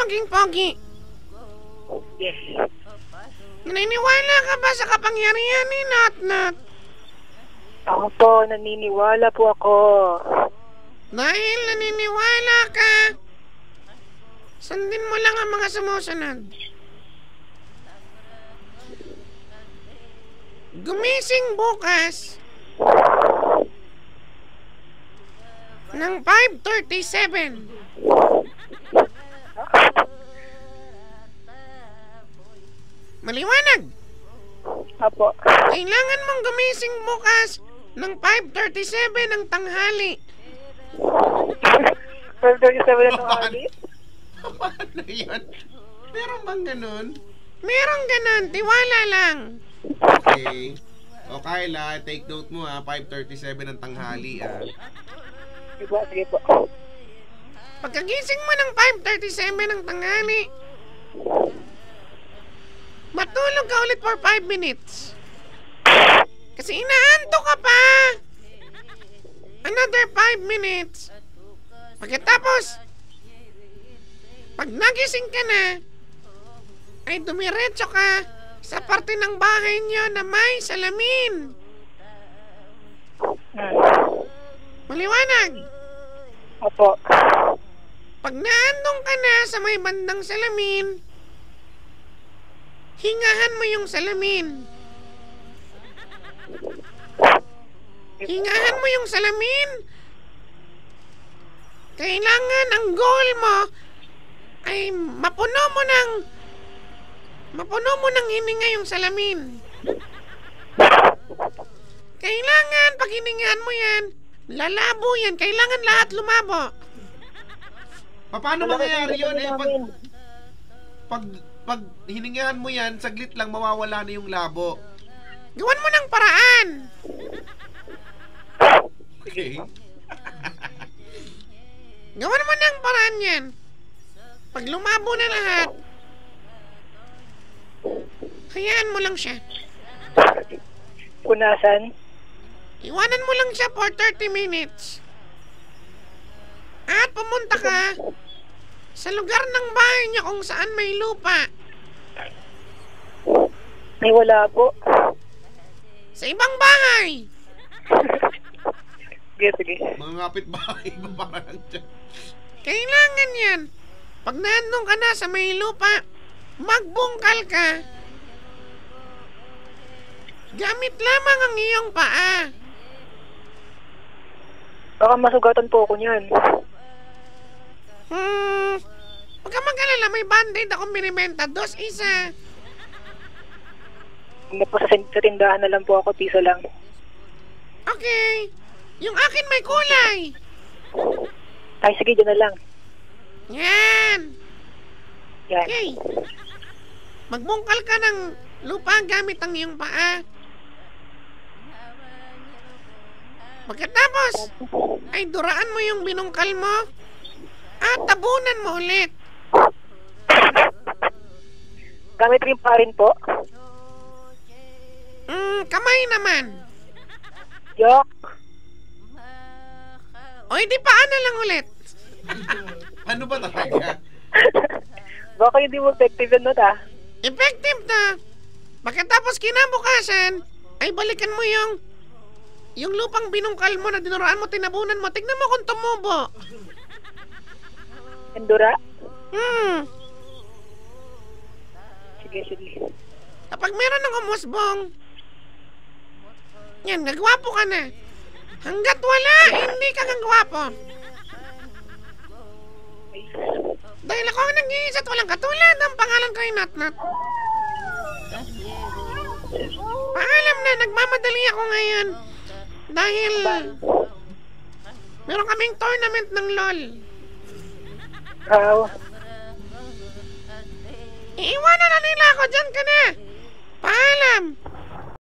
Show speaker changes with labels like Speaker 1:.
Speaker 1: maging pogi?
Speaker 2: Yes.
Speaker 1: Naniniwala ka ba sa kapangyarihan ni Nat?
Speaker 2: Ako po, naniniwala po ako.
Speaker 1: Dahil naniniwala ka, sundin mo lang ang mga sumusunod. Gumising bukas ng 5:37. Maliwanag.
Speaker 2: Apo.
Speaker 1: Kailangan mong gumising bukas ng 5:37 ng tanghali.
Speaker 2: 12:37 na tanghali?
Speaker 3: Paano yan? Meron bang ganun?
Speaker 1: Merong ganun, tiwala lang.
Speaker 3: Okay. O Kyla, take note mo 5:37 ng tanghali
Speaker 2: Sige po, sige po.
Speaker 1: Pagkagising mo ng 5:37 ng tanghali, matulog ka ulit for 5 minutes. Kasi inaanto ka pa. Another 5 minutes. Pagkatapos, pag nagising ka na, ay dumiretso ka sa parte ng bahay niyo na may salamin. Maliwanag.
Speaker 2: Apo.
Speaker 1: Pag naandong ka na sa may bandang salamin, hingahan mo yung salamin. Hingahan mo yung salamin. Kailangan ang goal mo ay mapuno mo ng hininga yung salamin. Kailangan pag hiningahan mo yan, lalabo yan. Kailangan lahat lumabo.
Speaker 3: Paano mangyayari yun pag hiningahan mo yan, saglit lang mawawala na yung labo.
Speaker 1: Gawan mo ng paraan.
Speaker 3: Okay.
Speaker 1: Gawan mo ng paraan yan. Pag lumabo na lahat, hayaan mo lang siya.
Speaker 2: Punasan?
Speaker 1: Iwanan mo lang siya for 30 minutes. At pumunta ka sa lugar ng bahay niya kung saan may lupa.
Speaker 2: Ay, wala po.
Speaker 1: Sa ibang bahay.
Speaker 2: Sige, sige.
Speaker 3: Mga kapitbahay ba parang dyan?
Speaker 1: Kailangan yan. Pag nandun ka na sa may lupa, magbungkal ka. Gamit lamang ang iyong paa.
Speaker 2: Baka masugatan po ako niyan.
Speaker 1: Huwag ka mag-alala, may band-aid akong binibenta. 2 isa.
Speaker 2: Hindi po sa tindahan na lang po ako, piso lang.
Speaker 1: Okay. Yung akin may kulay.
Speaker 2: Ay, sige, dyan na lang.
Speaker 1: Yan.
Speaker 2: Yan.
Speaker 1: Okay. Magbungkal ka ng lupa gamit ang iyong paa. Pagkatapos, ay duraan mo yung binungkal mo at tabunan mo ulit.
Speaker 2: Gamit rin pa rin po.
Speaker 1: Kamay naman.
Speaker 2: Yok.
Speaker 1: O hindi paano lang ulit.
Speaker 3: Ano ba talaga?
Speaker 2: Baka hindi mo effective yun, Not,
Speaker 1: Effective na. Pagkatapos kinabukasan, ay balikan mo yung lupang binungkal mo na dinuraan mo, tinabunan mo. Tignan mo kung tumubo.
Speaker 2: Endura? Sige, sige.
Speaker 1: Kapag meron ng umusbong, yan, nagwapo ka na. Hanggat wala, hindi ka gagwapo. Dahil ako ang nag-iisa at walang katulad, ang pangalan ko ay Natnat. Paalam na, nagmamadali ako ngayon. Dahil meron kaming tournament ng LOL. Iiwanan na nila ako, dyan ka na. Paalam.